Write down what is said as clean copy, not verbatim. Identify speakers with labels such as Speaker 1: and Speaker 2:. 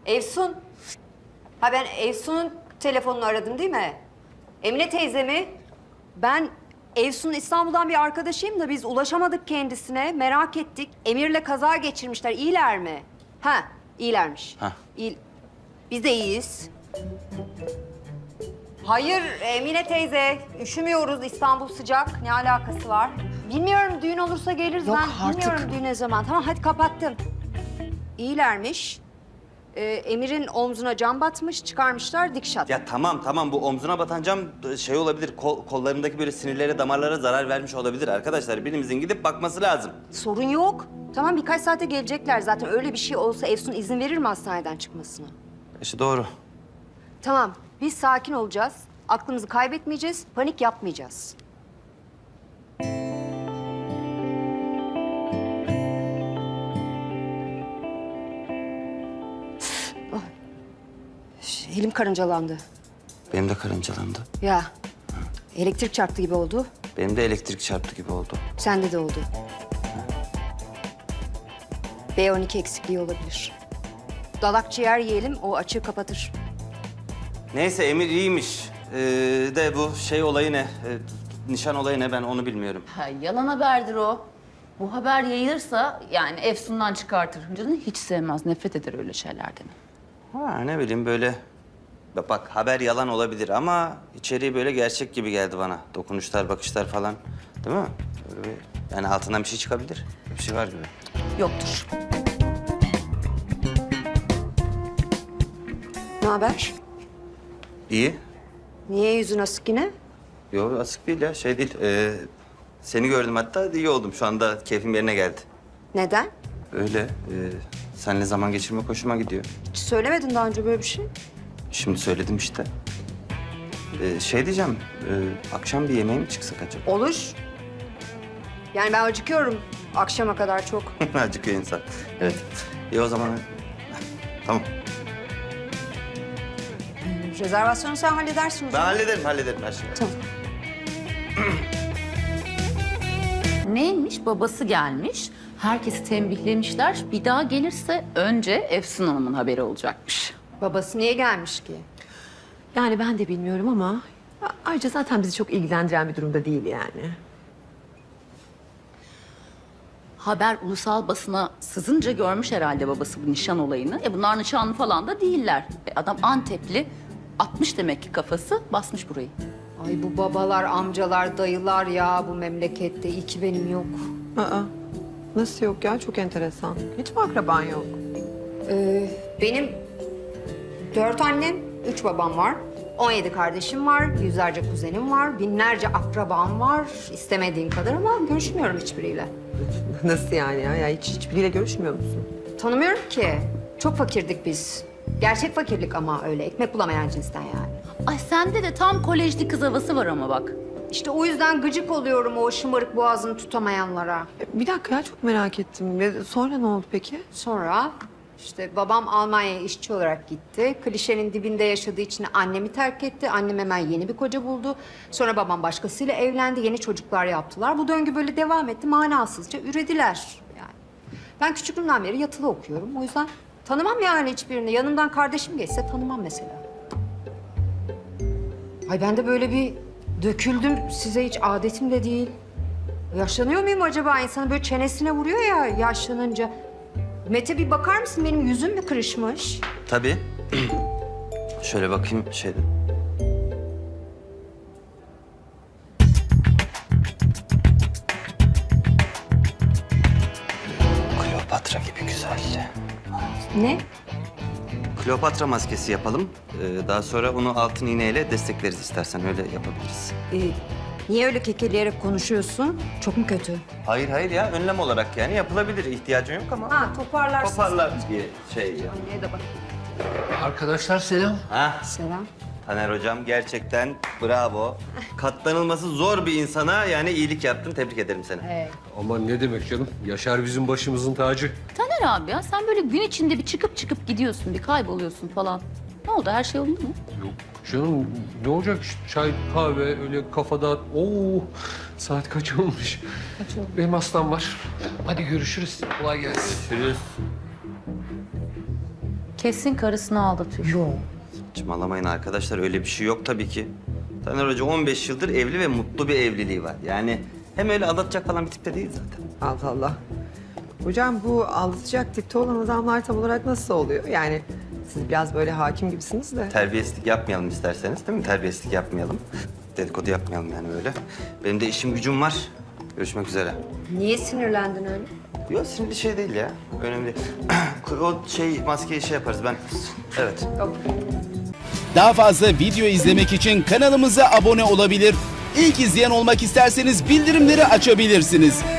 Speaker 1: Efsun. Ha ben Efsun'un telefonunu aradım değil mi? Emine teyze mi? Ben Efsun'un İstanbul'dan bir arkadaşıyım da biz ulaşamadık kendisine. Merak ettik. Emir'le kaza geçirmişler. İyiler mi? Ha, iyilermiş.
Speaker 2: Ha.
Speaker 1: İyi. Biz de iyiyiz. Hayır Emine teyze. Üşümüyoruz. İstanbul sıcak. Ne alakası var? Bilmiyorum düğün olursa geliriz.
Speaker 3: Yok
Speaker 1: ben
Speaker 3: artık.
Speaker 1: bilmiyorum düğün ne zaman. Tamam hadi kapattım. İyilermiş. Emir'in omzuna cam batmış, çıkarmışlar dikiş atmış.
Speaker 2: Ya tamam bu omzuna batan cam şey olabilir. Kollarındaki böyle sinirlere, damarlara zarar vermiş olabilir arkadaşlar. Birimizin gidip bakması lazım.
Speaker 1: Sorun yok. Tamam birkaç saate gelecekler zaten. Öyle bir şey olsa Efsun izin verir mi hastaneden çıkmasına?
Speaker 2: İşte doğru.
Speaker 1: Tamam biz sakin olacağız. Aklımızı kaybetmeyeceğiz, panik yapmayacağız. Oh. Elim karıncalandı.
Speaker 2: Benim de karıncalandı.
Speaker 1: Ya elektrik çarptı gibi oldu.
Speaker 2: Benim de elektrik çarptı gibi oldu.
Speaker 1: Sende de oldu. B12 eksikliği olabilir. Dalak ciğer yiyelim, o açığı kapatır.
Speaker 2: Neyse Emir iyiymiş. De bu şey olayı ne? Nişan olayı ne ben onu bilmiyorum.
Speaker 3: Ha, yalan haberdir o. Bu haber yayılırsa yani Efsun'dan çıkartır. Canını hiç sevmez, nefret eder öyle şeylerden.
Speaker 2: Ha ne bileyim böyle. Bak haber yalan olabilir ama içeriği böyle gerçek gibi geldi bana. Dokunuşlar, bakışlar falan. Değil mi? Böyle bir, yani altından bir şey çıkabilir. Bir şey var gibi.
Speaker 3: Yoktur.
Speaker 1: Ne haber?
Speaker 2: İyi.
Speaker 1: Niye yüzün asık yine?
Speaker 2: Yok asık değil ya şey değil. Seni gördüm hatta iyi oldum. Şu anda keyfim yerine geldi.
Speaker 1: Neden?
Speaker 2: Öyle. Seninle zaman geçirmek hoşuma gidiyor.
Speaker 1: Hiç söylemedin daha önce böyle bir şey.
Speaker 2: Şimdi söyledim işte. Şey diyeceğim. Akşam bir yemeğe mi çıksak acaba?
Speaker 1: Olur. Yani ben acıkıyorum akşama kadar çok.
Speaker 2: Acıkıyor insan. Evet. İyi o zaman. Tamam.
Speaker 1: Rezervasyonu sen halledersin o
Speaker 2: Ben
Speaker 1: zaman.
Speaker 2: hallederim her şeyi.
Speaker 1: Tamam.
Speaker 3: Neymiş? Babası gelmiş. Herkesi tembihlemişler. Bir daha gelirse önce Efsun Hanım'ın haberi olacakmış.
Speaker 1: Babası niye gelmiş ki?
Speaker 4: Yani ben de bilmiyorum ama ayrıca zaten bizi çok ilgilendiren bir durumda değil yani.
Speaker 3: Haber ulusal basına sızınca görmüş herhalde babası bu nişan olayını. Bunlar nişanlı falan da değiller. Adam Antepli. Atmış demek ki kafası, basmış burayı.
Speaker 1: Ay bu babalar, amcalar, dayılar ya bu memlekette. İyi ki benim yok.
Speaker 4: Aa, nasıl yok ya? Çok enteresan. Hiç mi akraban yok?
Speaker 1: Benim 4 annem, 3 babam var. 17 kardeşim var, yüzlerce kuzenim var, binlerce akrabam var. İstemediğim kadar ama görüşmüyorum hiçbiriyle.
Speaker 4: Nasıl yani ya? Hiçbiriyle görüşmüyor musun?
Speaker 1: Tanımıyorum ki. Çok fakirdik biz. Gerçek fakirlik ama öyle. Ekmek bulamayan cinsten yani.
Speaker 3: Ay sende de tam kolejli kız havası var ama bak.
Speaker 1: İşte o yüzden gıcık oluyorum o şımarık boğazını tutamayanlara.
Speaker 4: Bir dakika ya, çok merak ettim. Sonra ne oldu peki?
Speaker 1: Sonra işte babam Almanya'ya işçi olarak gitti. Klişenin dibinde yaşadığı için annemi terk etti. Annem hemen yeni bir koca buldu. Sonra babam başkasıyla evlendi. Yeni çocuklar yaptılar. Bu döngü böyle devam etti. Manasızca ürediler yani. Ben küçüklüğümden beri yatılı okuyorum. O yüzden tanımam yani hiçbirini. Yanımdan kardeşim geçse tanımam mesela. Ay ben de böyle bir döküldüm. Size hiç adetim de değil. Yaşlanıyor muyum acaba? İnsanın böyle çenesine vuruyor ya yaşlanınca. Mete bir bakar mısın? Benim yüzüm mü kırışmış?
Speaker 2: Tabii. Şöyle bakayım şeyde. Kleopatra gibi güzel.
Speaker 1: Ne?
Speaker 2: Kleopatra maskesi yapalım. Daha sonra onu altın iğneyle destekleriz istersen öyle yapabiliriz.
Speaker 1: Niye öyle kekeleyerek konuşuyorsun? Çok mu kötü?
Speaker 2: Hayır ya önlem olarak yani yapılabilir. İhtiyacın yok ama.
Speaker 1: Ha toparlarsın.
Speaker 2: Toparlar diye şey ya.
Speaker 1: Anneye de bak.
Speaker 5: Arkadaşlar selam.
Speaker 2: Ha,
Speaker 1: Selam.
Speaker 2: Taner hocam gerçekten bravo. Katlanılması zor bir insana yani iyilik yaptın. Tebrik ederim seni.
Speaker 1: Evet.
Speaker 5: Aman ne demek canım. Yaşar bizim başımızın tacı.
Speaker 3: Taner abi ya sen böyle gün içinde bir çıkıp gidiyorsun, bir kayboluyorsun falan. Ne oldu? Her şey yolunda mı?
Speaker 5: Yok canım ne olacak işte çay, kahve öyle kafada. Oo saat kaç olmuş?
Speaker 1: Kaç oldu?
Speaker 5: Benim hastam var. Hadi görüşürüz. Kolay gelsin.
Speaker 2: Görüşürüz.
Speaker 3: Kesin karısını aldatıyor.
Speaker 4: Yok.
Speaker 2: Saçmalamayın arkadaşlar, öyle bir şey yok tabii ki. Taner Hoca 15 yıldır evli ve mutlu bir evliliği var. Yani hem öyle aldatacak falan bir tipte değil zaten.
Speaker 4: Allah Allah. Hocam bu aldatacak tipte olan adamlar tam olarak nasıl oluyor? Yani siz biraz böyle hakim gibisiniz de.
Speaker 2: Terbiyesizlik yapmayalım isterseniz, değil mi? Terbiyesizlik yapmayalım. Dedikodu yapmayalım yani böyle. Benim de işim gücüm var. Görüşmek üzere.
Speaker 1: Niye sinirlendin öyle?
Speaker 2: Yok, sinirli şey değil ya. Önemli değil. O maskeyi yaparız ben. Evet.
Speaker 6: Daha fazla video izlemek için kanalımıza abone olabilir. İlk izleyen olmak isterseniz bildirimleri açabilirsiniz.